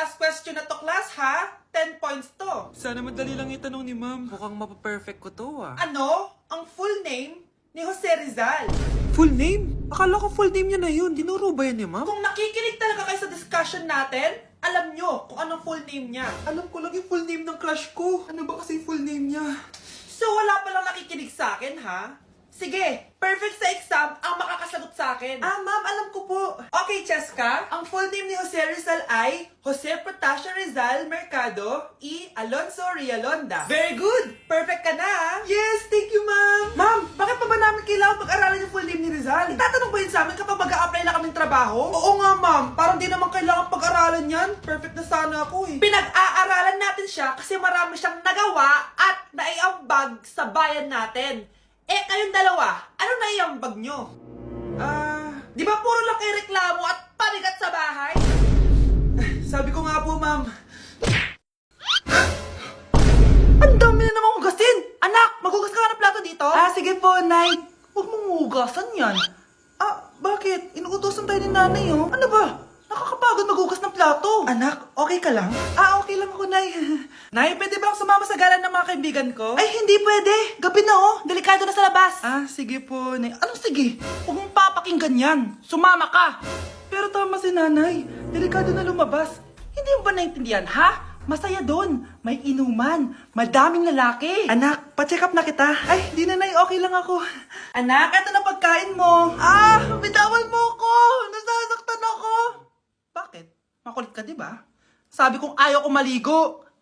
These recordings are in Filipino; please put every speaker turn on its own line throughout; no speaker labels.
last question na to, class, ha? 10 points to.
Sana madali lang itanong ni ma'am. Mukhang mapaperfect ko to ah.
Ano ang full name ni Jose Rizal?
Full name? Akala ko full name niya na yun. Dinuro ba yan ni ma'am?
Kung nakikinig talaga kayo sa discussion natin, alam nyo kung anong full name niya.
Alam ko lang yung full name ng crush ko. Ano ba kasi yung full name niya?
So wala palang nakikinig sa akin, ha? Sige, perfect sa exam ang makakasagot sa akin. Ah, ma'am, alam ko po. Okay, Cheska, ang full name ni Jose Rizal ay Jose Protasio Rizal Mercado E. Alonso Rialonda. Very good! Perfect ka na, ha? Yes, thank you, ma'am. Ma'am, bakit pa ba namin kailangan pag-aralan yung full name ni Rizal? Itatanong ba yun sa amin kapag mag-a-apply na kaming trabaho? Oo nga, ma'am. Parang di naman kailangan pag-aralan yan. Perfect na sana ako, eh. Pinag-aaralan natin siya kasi marami siyang nagawa at naiambag sa bayan natin. Eh, kayong dalawa, ano naiambag nyo? Di ba puro lang kayo reklamo at panigat sa bahay? Sabi ko nga po, ma'am. Ang dami na namang hugasin! Anak, maghugas ka nga ng plato dito? Sige po, Nay. Huwag mong hugasan yan. Bakit? Inuutosan tayo ni nanay, oh. Ano ba? Nakakapagod maghugas ng plato. Anak, okay ka lang? Okay lang ako, Nay. Nay, pwede ba akong sumama sa gala ng mga kaibigan ko? Ay, hindi pwede. Gabi na, oh. Delikado na sa labas. Sige po, Nay. Anong sige? Huwag mong papakinggan yan. Sumama ka. Pero tama si nanay. Delikado na lumabas. Hindi mo ba naintindihan, ha? Masaya doon. May inuman. Madaming lalaki. Anak, pa-check up na kita. Ay, di na, Nay. Okay lang ako. Anak, eto na pagkain mo. Bitawan mo ako. Nasasaktan ako. Bakit? Makulit ka, di ba? Sabi kong ayaw ko maligo.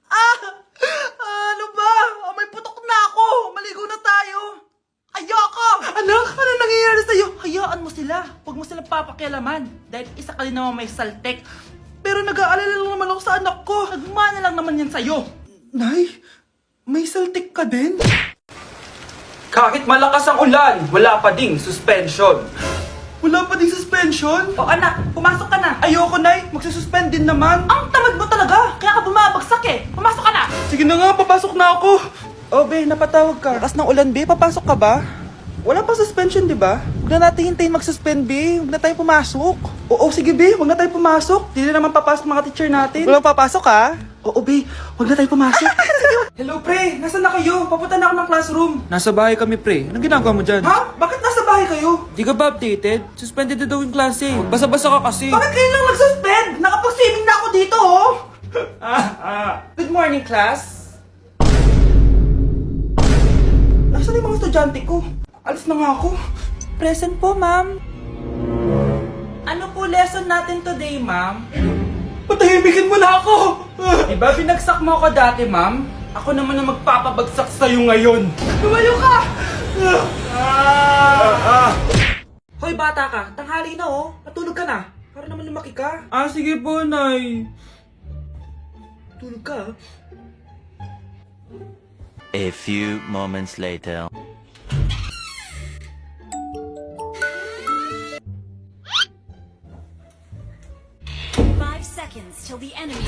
Ano ba? May putok na ako. Maligo na tayo. Ayoko! Anak, ano nangyayari sa'yo? Hayaan mo sila. Huwag mo silang papakialaman. Dahil isa ka din naman may saltek. Pero nag-aalala lang naman ako sa anak ko. Nagmana lang naman yan sa'yo. Nay, may saltik ka din? Kahit malakas ang ulan, wala pa ding suspension. Wala pa ding suspension? O anak, pumasok ka na. Ayoko, Nay. Magsususpend din naman. Ang tamad mo talaga. Kaya ka bumabagsak eh. Pumasok ka na. Sige na nga, papasok na ako. Be, napatawag ka. Lakas ng ulan, Be. Papasok ka ba? Wala pa suspension, di ba? Huwag na natin hintayin mag-suspend, Be. Huwag na tayo pumasok. Oo, sige, Be. Huwag na tayo pumasok. Di na naman papasok mga teacher natin. Walang papasok, ha? Oo, Be. Huwag na tayo pumasok. Hello, pre. Nasaan na kayo? Papunta na ako ng classroom.
Nasa bahay kami, pre. Anong ginagawa mo dyan?
Ha? Bakit nasa bahay kayo?
Di ka ba updated? Suspended na daw yung klase. Basa-basa ka kasi.
Bakit kayo lang nag-suspend? Nakapag-swimming na ako dito, oh! Good morning, class. Nasaan yung mga estudyante ko? Alis na nga ako. Present po, ma'am. Ano po lesson natin today, ma'am? Patahimikin mo na ako! Diba binagsak mo ako dati, ma'am? Ako naman ang magpapabagsak sa'yo ngayon. Lumayo ka! Hoy, bata ka. Tanghali na, oh. Matulog ka na. Para naman lumaki ka.
Sige po, Nay.
Tulog ka,
A few moments later.
Seconds till the enemy.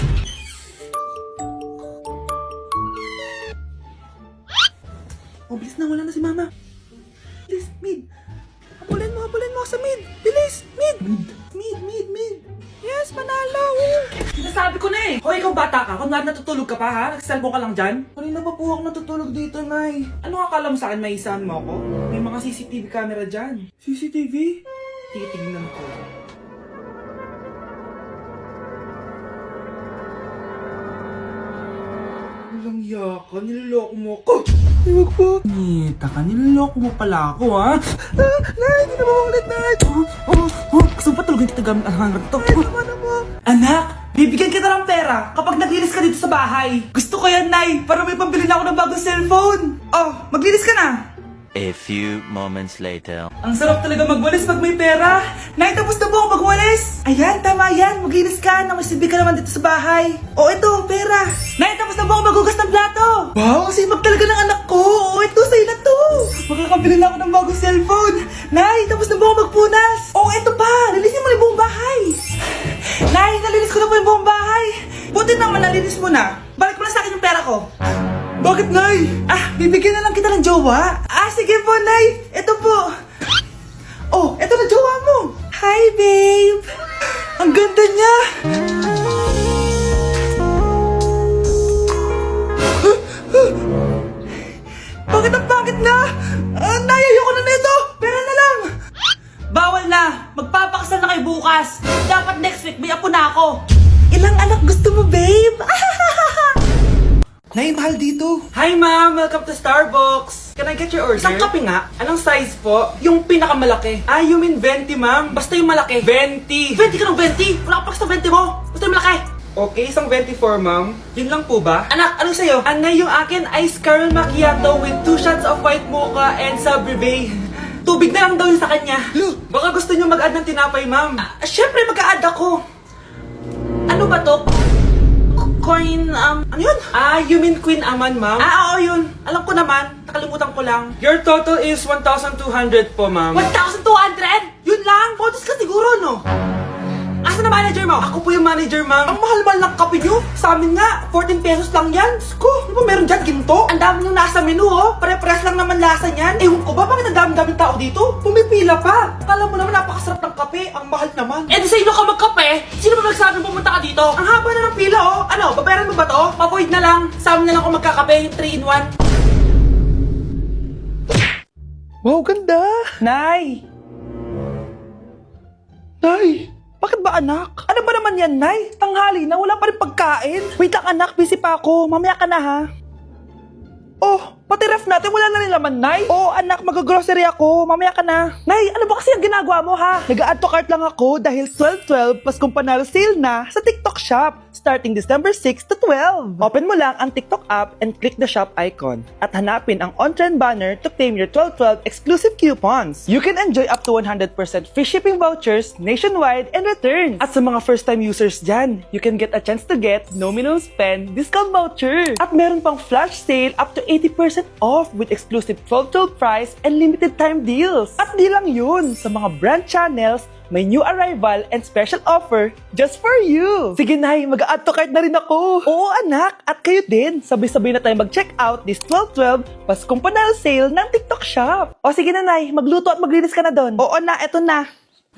Bilis na, wala na si mama. Bilis, mid. Habulin mo sa mid. Bilis, mid. Mid. Yes, manalo. Sinasabi ko na eh. Hoy, ikaw bata ka. Kung natutulog ka pa ha? Nagsiselfone ka lang dyan? Kanina pa po ako natutulog dito, Nay. Ano akala mo sa akin, may isahan mo ako? May mga CCTV camera dyan. CCTV? Titingnan ko. Walang yaka, niloloko mo ako. Huwag po. Nita ka, niloloko mo pala ako, ha? Nay, hindi na maulit, Nay. Gusto mo pa tulogin kita gamit ang hangar to? Ay, naman na mo. Anak, bibigyan kita ng pera kapag naglinis ka dito sa bahay. Gusto ko yan, Nay, para may pambili na ako ng bagong cellphone. Maglinis ka na.
A few moments later.
Ang sarap talaga magwalis pag may pera. Nay, tapos na po ako magwalis. Ayan, tama yan. Maglinis ka na may silbi ka naman dito sa bahay. Ito, pera. Nay, tapos na po ako maghugas ng plato. Wow, sipag talaga ng anak ko. Ito, sa'yo na to. Makakabili na ako ng bagong cellphone. Nay, tapos na po ako magpunas. Ito pa. Linisin mo na yung buong bahay. Nay, nalinis ko na po yung buong bahay. Buti naman nalinis mo na. Balik mo na sa akin yung pera ko. Bakit, Nay? Bibigyan na lang kita ng jowa. Sige po, Nay. Ito po. Ito na jowa mo. Hi, babe. Ang ganda niya. Shit, may apo na ako.
Ilang anak gusto mo, babe? Nay, mahal dito.
Hi ma'am, welcome to Starbucks. Can I get your order? Isang kape nga. Anong size po? Yung pinakamalaki. Ah, you mean 20 ma'am? Basta yung malaki. 20. 20 ka ng 20? Wala ka pa sa 20 mo. Basta yung malaki.
Okay, isang 24, ma'am. Yun lang po ba?
Anak, anong sa'yo? Anay, yung akin ice caramel macchiato with 2 shots of white mocha and Sabrivay. Tubig na lang daw yun sa kanya. Baka gusto nyo mag-add ng tinapay, ma'am. Syempre, mag-a-add ako. Ano ba to? Coin, ano yun? Ah, you mean Queen Aman, ma'am? Ah, oo, yun. Alam ko naman. Nakalimutan ko lang.
Your total is 1,200 po, ma'am.
1,200? Yun lang? Bonus ka siguro, no? Asa na manager mo? Ako po yung manager, ma'am. Ang mahal-mahal ng kape nyo. Sa amin nga, 14 pesos lang yan. Sko, ano ba meron dyan? Ginto? Ang dami yung nasa menu, oh. Pare-pares lang naman lasa niyan. Ewan ko ba, bakit ang dami-daming tao dito? Pumipila pa. Akala mo naman napakasarap ng kape. Ang mahal naman. Eh, di sa inyo ka magkape? Sino ba nagsabing pumunta ka dito? Ang haba na ng pila, oh. Ano, babayaran mo ba to? Pa-void na lang. Sa amin na lang ako magkakape, yung 3-in-1.
Wow, ganda.
Nay!
Nay!
Bakit ba anak? Ano ba naman yan, Nay? Tanghali na, wala pa rin pagkain. Wait lang anak, busy pa ako. Mamaya ka na ha. Oh, pati ref natin wala na rin laman, Nay. Oh, anak, mag-grocery ako. Mamaya ka na. Nay, ano ba kasi ang ginagawa mo ha? Nag-add to cart lang ako dahil 12/12 Paskong Panalo sale na sa TikTok Shop starting December 6 to 12. Open mo lang ang TikTok app and click the shop icon at hanapin ang on-trend banner to claim your 12/12 exclusive coupons. You can enjoy up to 100% free shipping vouchers nationwide and returns. At sa mga first-time users dyan, you can get a chance to get no minimum spend discount voucher. At meron pang flash sale up to 80% off with exclusive 12/12 price and limited time deals. At di lang yun, sa mga brand channels, may new arrival and special offer just for you. Sige Nay, mag-add to cart na rin ako. Oo anak, at kayo din. Sabay-sabay na tayo mag-check out this 12/12 Paskong Panalo sale ng TikTok Shop. O sige na Nay, magluto at maglinis ka na doon. Oo na, eto na.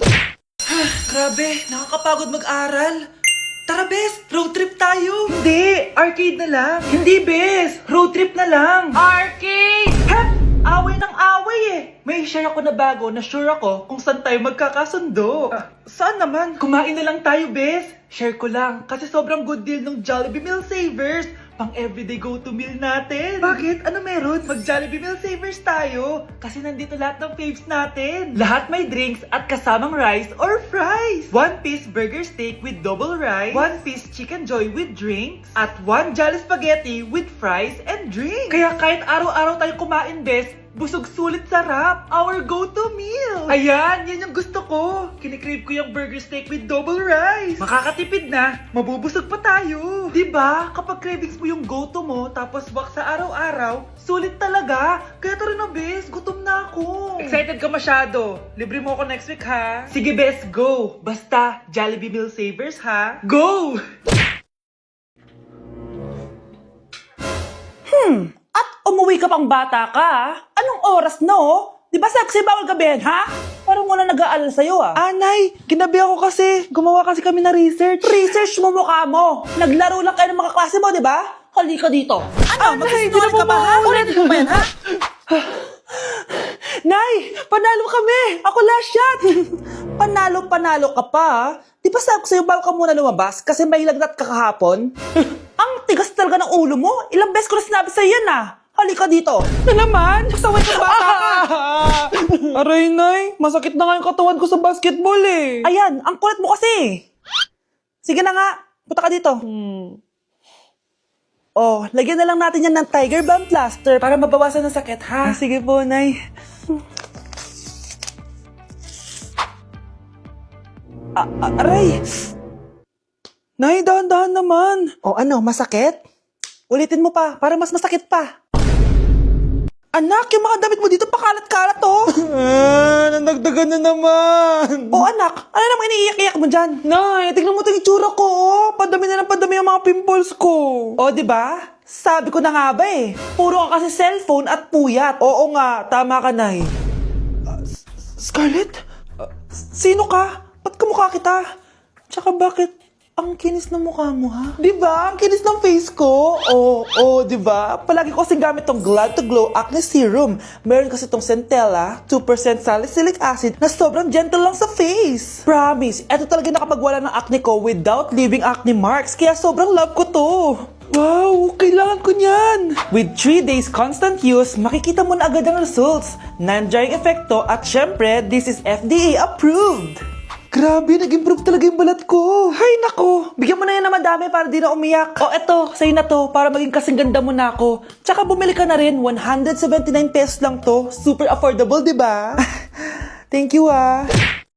Grabe, nakakapagod mag-aral. Tara, Bes! Road trip tayo! Hindi! Arcade na lang! Hindi, Bes! Road trip na lang! Arcade! Hep! Away ng away eh! May share ako na bago na sure ako kung saan tayo magkakasundo. Saan naman? Kumain na lang tayo, Bes! Share ko lang kasi sobrang good deal ng Jollibee Meal Savers! Pang everyday go-to meal natin! Bakit? Ano meron? Mag-Jollibee Meal Savers tayo! Kasi nandito lahat ng faves natin! Lahat may drinks at kasamang rice or fries! 1-piece burger steak with double rice, 1-piece chicken joy with drinks, at 1 Jolly Spaghetti with fries and drinks! Kaya kahit araw-araw tayo kumain, Bes, busog sulit sarap! Our go-to meal! Ayan! Yan yung gusto ko! Kinikrave ko yung burger steak with double rice! Makakatipid na! Mabubusog pa tayo! Diba? Kapag cravings mo yung go-to mo, tapos wak sa araw-araw, sulit talaga! Kaya tara na, Bes! Gutom na ako! Excited ka masyado! Libre mo ako next week, ha? Sige, Bes! Go! Basta, Jollibee Meal Savers, ha? Go! At umuwi ka pang bata ka, ah. Anong oras na, oh? Di ba sabi sa'yo bawal gabihan, ha? Parang wala nag-aalala sa'yo, ah.
Anay, ginabi ako kasi. Gumawa kasi kami na research.
Research mo mukha mo. Naglaro lang kayo ng mga klase mo, di ba? Halika dito. Ano, magsisinungaling ka ba, ha? Ulitin mo ba yan, ha? Nay, panalo kami! Ako last shot! Panalo ka pa, ha? Di ba sabi ko sa'yo bawal ka muna lumabas kasi may lagnat ka kahapon? Ang tigas talaga ng ulo mo. Ilang beses ko na sinabi sa'yo yan, ah. Halika dito. Na naman? Pasaway ka bata ka.
Aray, Nay. Masakit na nga yung katawan ko sa basketball eh.
Ayan, ang kulit mo kasi. Sige na nga, punta ka dito. Oh, lagyan na lang natin yan ng Tiger Balm Plaster para mabawasan ng sakit, ha?
Sige po, Nay.
Aray!
Nay, dahan-dahan naman.
O ano, masakit? Ulitin mo pa, para mas masakit pa. Anak, yung mga damit mo dito pakalat-kalat, oh.
Nanagdagan na naman.
O anak, ano namang iniiyak-iyak mo dyan?
Nay, tignan mo itong itsura ko, oh. Padami na ng padami ang mga pimples ko.
O, di ba? Sabi ko na nga ba eh. Puro ka kasi cellphone at puyat.
Oo nga, tama ka, Nay. Scarlett? Sino ka? Ba't kamukha kita? Tsaka bakit Ang kinis ng mukha mo, ha? Di ba? Ang kinis ng face ko. Oo, di ba? Palagi ko kasing gamit tong Glad to Glow Acne Serum. Meron kasi tong Centella, 2% salicylic acid na sobrang gentle lang sa face. Promise, eto talaga nakapagwala ng acne ko without leaving acne marks. Kaya sobrang love ko to. Wow, kailangan ko niyan! With 3 days constant use, makikita mo na agad ang results. Non-drying epekto at syempre, this is FDA approved. Grabe, nag-improve talaga yung balat ko. Hay nako, bigyan mo na yan na madami para di na umiyak. O eto, sa'yo na to, para maging kasing ganda mo na ako. Tsaka bumili ka na rin, 179 pesos lang to. Super affordable, di ba? Thank you, ah.